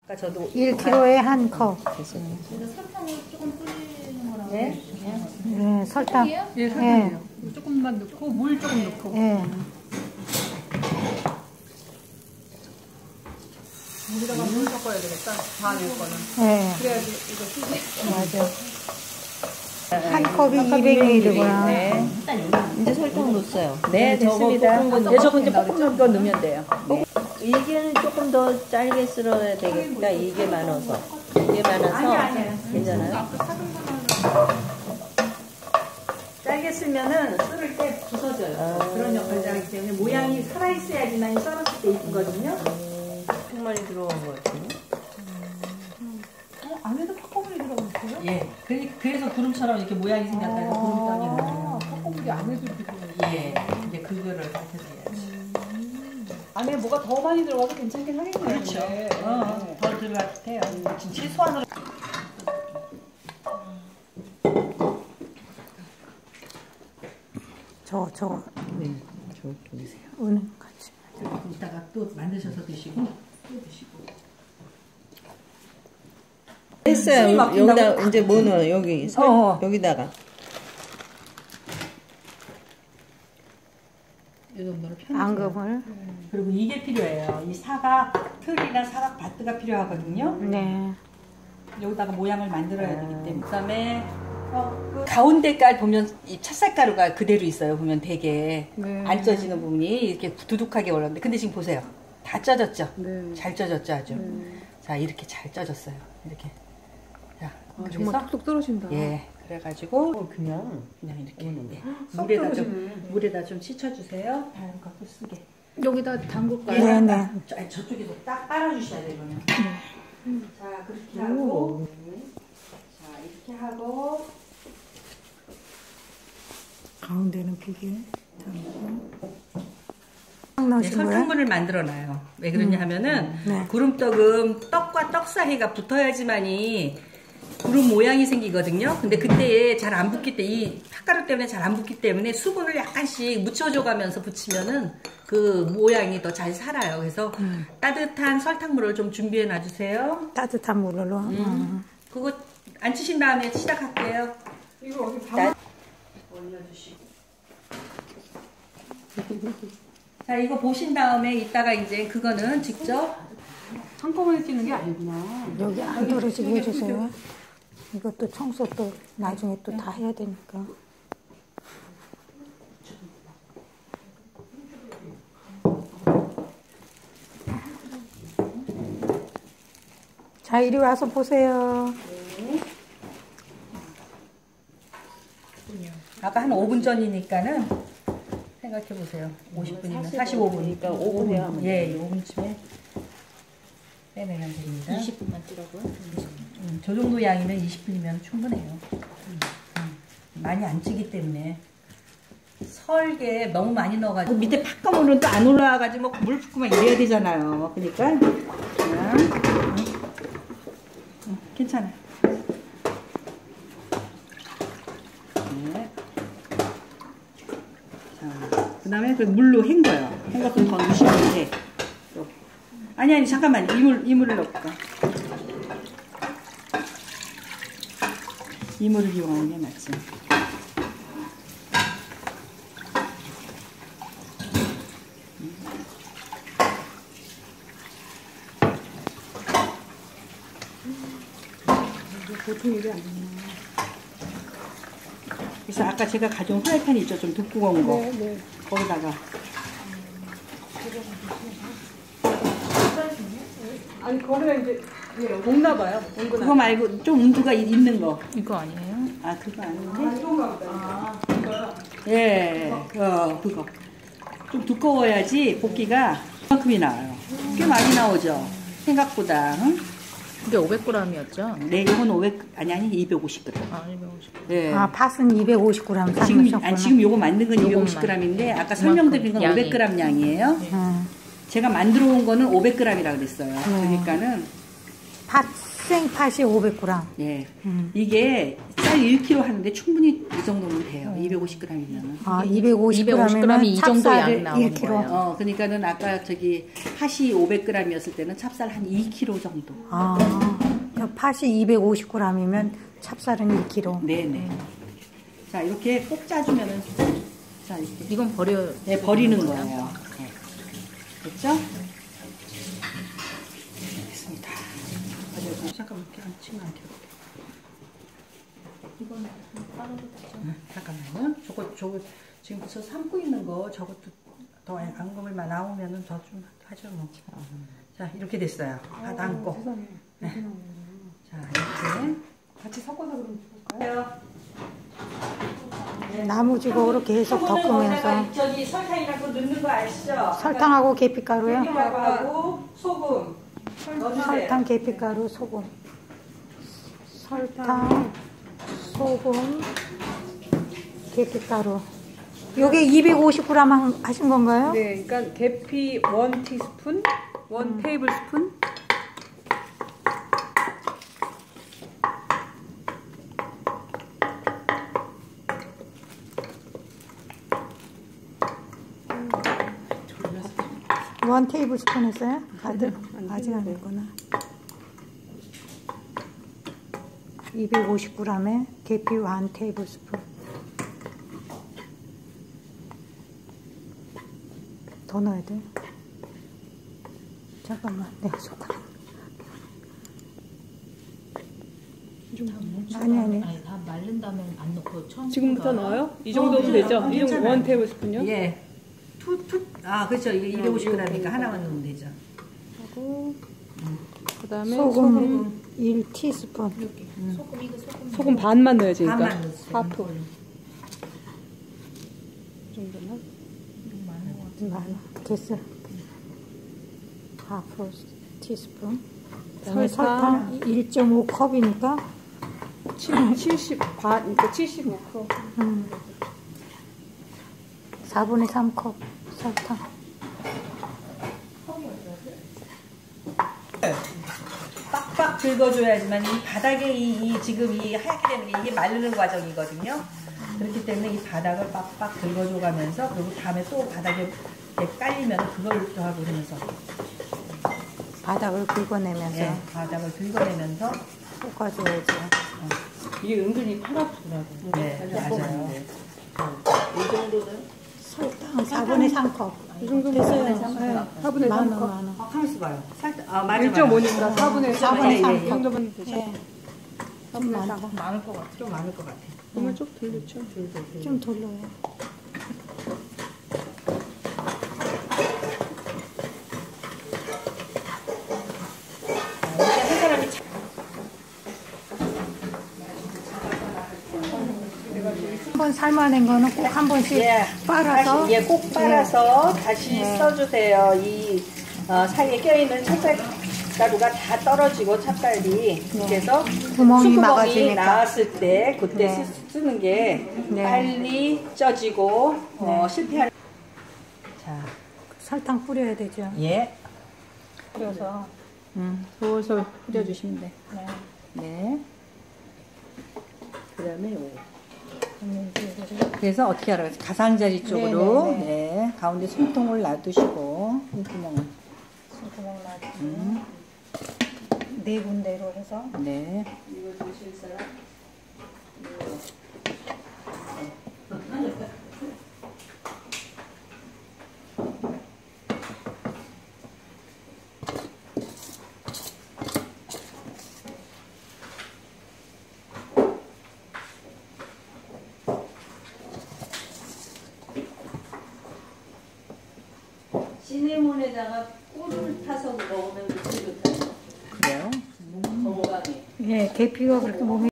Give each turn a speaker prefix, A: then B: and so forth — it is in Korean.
A: 저도
B: 1kg에 한 컵.
C: 설탕을 조금 뿌리는 거라고.
A: 네?
B: 네, 설탕.
C: 예, 설탕이요. 조금만 넣고 물 조금 넣고.
B: 예.
C: 물에다가 물 섞어야 되겠다. 다낼 거는.
B: 예.
C: 그래야지 이거 쓰지.
B: 맞아. 한 컵이 200ml구나.
A: 네.
D: 이제 설탕 넣었어요.
A: 네, 됐습니다. 네, 저거 이제 볶음 더 넣으면 돼요. 네.
D: 이게는 조금 더 짧게 썰어야 되겠다. 이게 많아서. 이게 많아서 괜찮아요?
A: 짧게 쓰면은 썰을 때 부서져요. 그런 역할을 하기 때문에 모양이 살아있어야지만 썰었을 때 이쁘거든요.
D: 엄청 많이 들어간 것 같아요.
C: 안에도 팝콘물이 들어가 있어요?
A: 예. 그래서 구름처럼 이렇게 모양이 생겼다고 구름떡이라고.
C: 팝콘물이 안에도 이렇게 들어가 있어요.
A: 예. 이제 그거를 가르쳐줘야지.
C: 안에 뭐가 더 많이 들어가도 괜찮긴 하겠네요.
A: 그렇죠.
C: 근데.
A: 더 들어갔대요. 지금 최소한으로.
B: 저거.
D: 네, 저렇게 보세요.
B: 은행 같이.
A: 이따가 또 만드셔서 드시고 또 드시고.
D: 했어요. 여기다 이제 뭐 넣어요? 여기 여기다가.
A: 이 정도로 편하죠.
B: 앙금을.
A: 그리고 이게 필요해요. 이 사각 틀이나 사각 바트가 필요하거든요.
B: 네.
A: 여기다가 모양을 만들어야 되기 때문에. 그다음에 그 가운데 깔 보면 이 찹쌀가루가 그대로 있어요. 보면 되게 안 쪄지는 부분이 이렇게 두둑하게 올랐는데, 근데 지금 보세요. 다 쪄졌죠. 잘 쪄졌죠, 아주. 자, 이렇게 잘 쪄졌어요. 이렇게. 자, 그래서
C: 정말 뚝뚝 떨어진다.
A: 예, 그래가지고
D: 그냥
A: 이렇게
C: 떨어지네.
A: 물에다 좀 씻어주세요. 다른 것도 쓰게.
C: 여기다 담글까요?
B: 네네.
A: 아니, 저쪽에서 딱 빨아주셔야 돼요, 이거는. 자, 그렇게 하고. 자, 이렇게 하고.
B: 가운데는 비계.
A: 네, 설탕물을 만들어놔요. 왜 그러냐 하면은
B: 네.
A: 구름떡은 떡과 떡 사이가 붙어야지만이 구름 모양이 생기거든요. 근데 그때 잘 안 붙기 때문에 이 팥가루 때문에 잘 안 붙기 때문에 수분을 약간씩 묻혀줘가면서 붙이면은 그 모양이 더 잘 살아요. 그래서 따뜻한 설탕물을 좀 준비해 놔주세요.
B: 따뜻한 물로.
A: 그거 안 치신 다음에 시작할게요.
C: 이거 어디 다
A: 올려주시고. 자, 이거 보신 다음에 이따가 이제 그거는 직접
C: 한꺼번에 찌는 게 아니구나.
B: 여기 안 떨어지게 해주세요. 이것도 청소 또 나중에 또 다 해야 되니까. 자, 이리 와서 보세요.
A: 아까 한 5분 전이니까는 생각해 보세요. 50분이면 45분이니까
D: 5분 해야 하면
A: 예, 5분쯤에 빼내면 됩니다.
D: 20분만 뜨라고요?
A: 저 정도 양이면 20분이면 충분해요. 많이 안 찌기 때문에. 설게 너무 많이 넣어가지고 밑에 팥가루는 또 안 올라와가지고 물 붓고 막 이래야 되잖아요. 그러니까 그냥 괜찮아요. 네. 자, 그 다음에 그 물로 헹궈요. 헹궈서 더 넣으시면 돼. 아니 잠깐만, 이물을 넣을까? 이물을 이용하는 게 맞지.
C: 보통 일이 아니야.
A: 그래서 아까 제가 가져온 프라이팬 있죠? 좀 두꺼운 거.
C: 네.
A: 거기다가.
C: 아니 거기가 이제 녹나 봐요.
A: 그거 말고 좀 온도가 있는 거.
D: 이거 아니에요?
A: 아, 그거 아닌데?
C: 이건가 보다. 이거요?
A: 예, 그거. 좀 두꺼워야지 볶기가 그만큼이 나와요. 꽤 많이 나오죠? 생각보다. 응?
D: 이게 500g이었죠?
A: 네, 이건 500, 아니, 250g.
D: 아, 250g.
A: 네.
B: 아, 팥은 250g 삶으셨구나.
A: 지금 요거 만든 건 250g인데, 아까 설명드린 건
D: 양이.
A: 500g 양이에요. 제가 만들어 온 거는 500g이라고 그랬어요. 그러니까는.
B: 팥, 생팥이 500g.
A: 예. 이게 쌀 1kg 하는데 충분히 이 정도면 돼요. 250g이면은.
B: 아, 250g이면
E: 250g이 이 정도 양
B: 찹쌀을
E: 나오는
B: 1kg.
E: 거예요.
A: 그러니까는 아까 저기 팥이 500g이었을 때는 찹쌀 한 2kg 정도.
B: 아, 팥이 250g이면 찹쌀은 1kg.
A: 네네. 자, 이렇게 꼭 짜주면은, 자, 이렇게.
E: 이건 버려.
A: 네, 버리는 거예요. 네. 됐죠? 됐습니다. 잠깐만, 이렇게 안 치면 안 돼요. 이거는 빨아도 되죠? 잠깐만요. 저거 지금부터 삶고 있는 거 저것도 더 앙금을만 나오면은 더 좀 하죠 뭐. 자, 이렇게 됐어요. 다 담고. 네. 자, 이렇게
C: 같이 섞어서 그럼 볼까요?
B: 나무지곡으로 계속 덮으면서
A: 저기 설탕이랑 또 넣는 거 아시죠?
B: 설탕하고 계피가루요.
A: 계피가루하고 소금 넣어주세요.
B: 설탕, 계피가루, 소금. 설탕, 소금, 계피가루. 요게 250g 하신 건가요?
C: 네, 그러니까 계피 1티스푼, 1테이블스푼.
B: 원 테이블 스푼 했어요? 다들? 아직 안 했구나. 250g에 계피 1 테이블 스푼. 더 넣어야 돼. 잠깐만, 내가 숟가락. 아니.
E: 다 마른 다음에 안 넣고 처음.
C: 지금부터 넣어요? 이 정도면 되죠? 이 정도 1테이블스푼요?
A: 예. 그렇죠. 이게 250g이니까 하나만 넣으면 되죠.
C: 하고 그다음에
B: 소금 1티스푼.
C: 소금 반만 넣어야지.
A: 반만
C: 그러니까
A: 넣었어요.
C: 하프 정도만.
B: 많아. 됐어. 하프 티스푼. 그다음에 설탕 1.5컵이니까
C: 70 반, 그러니까 75컵.
B: 4분의 3컵 설탕.
A: 빡빡 긁어줘야지만 이 바닥에 지금 이 하얗게 되는 게 이게 마르는 과정이거든요. 그렇기 때문에 이 바닥을 빡빡 긁어줘가면서 그리고 다음에 또 바닥에 이렇게 깔리면 그걸 또 하고 그러면서
B: 바닥을 긁어내면서
A: 예, 바닥을 긁어내면서
B: 볶아줘야죠.
C: 이게 은근히 팔 아프더라고.
A: 네, 맞아요.
C: 이 정도는
B: 설탕 4분의 3컵.
C: 이 정도면
B: 됐어요.
C: 4분의
B: 많아
C: 3컵.
B: 많아.
A: 가만있어 봐요. 맞아.
C: 1.5니까 4분의 3.
B: 4분의
C: 이
B: 3컵.
C: 정도면 되죠?
B: 예. 좀 많다.
A: 많을 것 같아. 좀 많을 것 같아.
C: 정말 좀 돌렸죠?
B: 좀 돌려요.
A: 한 사람이
B: 한번 삶아낸 거는 꼭 한 번씩 빨아서
A: 다시, 꼭 빨아서 다시 써주세요. 이 사이에 껴있는 찹쌀가루가 다 떨어지고 찹쌀이 그래서
B: 구멍이
A: 수구멍이
B: 막아지니까.
A: 나왔을 때 그때
B: 네.
A: 쓰는 게
B: 네.
A: 빨리 쪄지고 실패할. 자,
B: 설탕 뿌려야 되죠.
A: 예.
B: 뿌려서
C: 솔솔 뿌려주시면 돼.
A: 네.
C: 그 다음에 요거.
A: 그래서 어떻게 하라고 했어요? 가장자리 쪽으로 네, 가운데 숨통을 놔두시고 구멍을
B: 구멍 놔두고 네 군데로 해서
A: 네. 시네몬에다가 꿀을 타서 먹으면 그렇게 좋다요. 그래요? 건강에.
B: 예, 계피가 그렇게 몸에